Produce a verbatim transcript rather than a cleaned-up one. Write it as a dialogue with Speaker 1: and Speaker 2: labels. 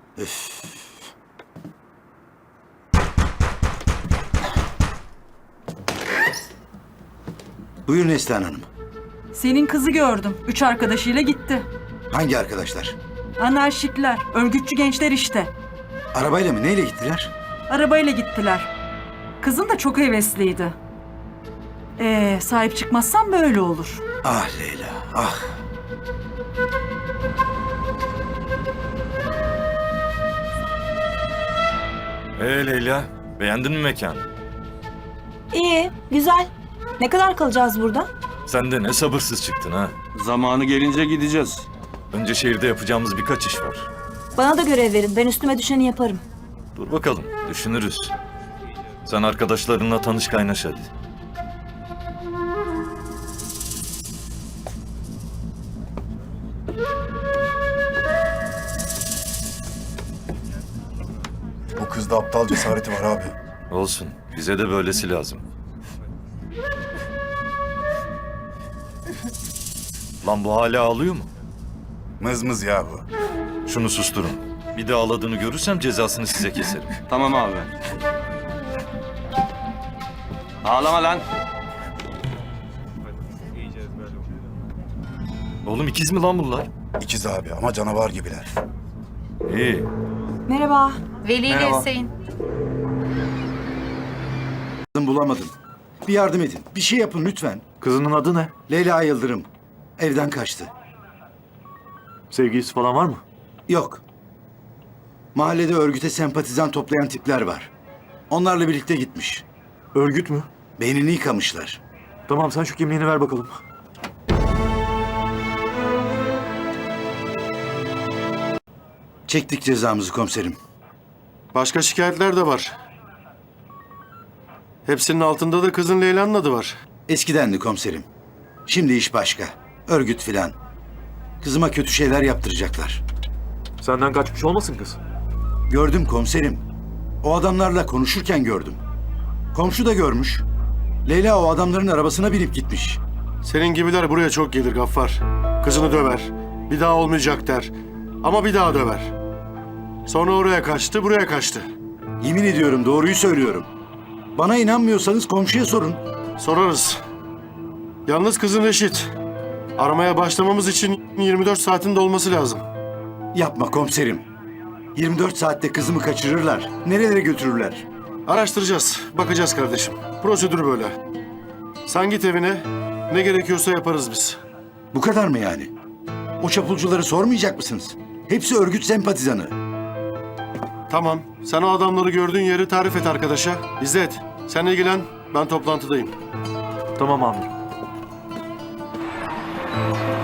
Speaker 1: Üf. Buyurun Neslihan Hanım.
Speaker 2: Senin kızı gördüm. Üç arkadaşıyla gitti.
Speaker 1: Hangi arkadaşlar?
Speaker 2: Anarşikler, örgütçü gençler işte.
Speaker 1: Arabayla mı? Neyle gittiler?
Speaker 2: Arabayla gittiler. Kızın da çok hevesliydi. Ee, sahip çıkmazsan böyle olur.
Speaker 1: Ah Leyla, ah.
Speaker 3: Ee Leyla, beğendin mi mekanı?
Speaker 4: İyi, güzel. Ne kadar kalacağız burada?
Speaker 3: Sen de ne sabırsız çıktın ha.
Speaker 5: Zamanı gelince gideceğiz.
Speaker 3: Önce şehirde yapacağımız birkaç iş var.
Speaker 4: Bana da görev verin. Ben üstüme düşeni yaparım.
Speaker 3: Dur bakalım, düşünürüz. Sen arkadaşlarınla tanış kaynaş hadi.
Speaker 6: Bu kızda aptal cesareti var abi.
Speaker 3: Olsun, bize de böylesi lazım. Lan bu hala ağlıyor mu?
Speaker 6: Mızmız ya bu.
Speaker 3: Şunu susturun. Bir de ağladığını görürsem cezasını size keserim.
Speaker 5: Tamam abi. Ağlama lan.
Speaker 3: Oğlum ikiz mi lan bunlar?
Speaker 6: İkiz abi ama canavar gibiler.
Speaker 3: İyi.
Speaker 4: Merhaba.
Speaker 7: Veli ile
Speaker 5: Merhaba.
Speaker 7: Hüseyin.
Speaker 1: Bulamadım. Bir yardım edin. Bir şey yapın lütfen.
Speaker 8: Kızının adı ne?
Speaker 1: Leyla Yıldırım. Evden kaçtı.
Speaker 8: Sevgilisi falan var mı?
Speaker 1: Yok. Mahallede örgüte sempatizan toplayan tipler var. Onlarla birlikte gitmiş.
Speaker 8: Örgüt mü?
Speaker 1: Beynini yıkamışlar.
Speaker 8: Tamam sen şu kimliğini ver bakalım.
Speaker 1: Çektik cezamızı komiserim.
Speaker 9: Başka şikayetler de var. Hepsinin altında da kızın Leyla'nın adı var.
Speaker 1: Eskidendi komiserim. Şimdi iş başka. Örgüt filan. Kızıma kötü şeyler yaptıracaklar.
Speaker 8: Senden kaçmış olmasın kız?
Speaker 1: Gördüm komiserim. O adamlarla konuşurken gördüm. Komşu da görmüş. Leyla o adamların arabasına binip gitmiş.
Speaker 9: Senin gibiler buraya çok gelir Gaffar. Kızını döver. Bir daha olmayacak der. Ama bir daha döver. Sonra oraya kaçtı, buraya kaçtı.
Speaker 1: Yemin ediyorum doğruyu söylüyorum. Bana inanmıyorsanız komşuya sorun.
Speaker 9: Sorarız. Yalnız kızın Reşit. Aramaya başlamamız için yirmi dört saatin dolması lazım.
Speaker 1: Yapma komiserim. yirmi dört saatte kızımı kaçırırlar. Nerelere götürürler?
Speaker 9: Araştıracağız, bakacağız kardeşim. Prosedür böyle. Sen git evine, ne gerekiyorsa yaparız biz.
Speaker 1: Bu kadar mı yani? O çapulcuları sormayacak mısınız? Hepsi örgüt sempatizanı.
Speaker 9: Tamam, sen o adamları gördüğün yeri tarif et arkadaşa. İzzet, sen ilgilen, ben toplantıdayım.
Speaker 8: Tamam amirim.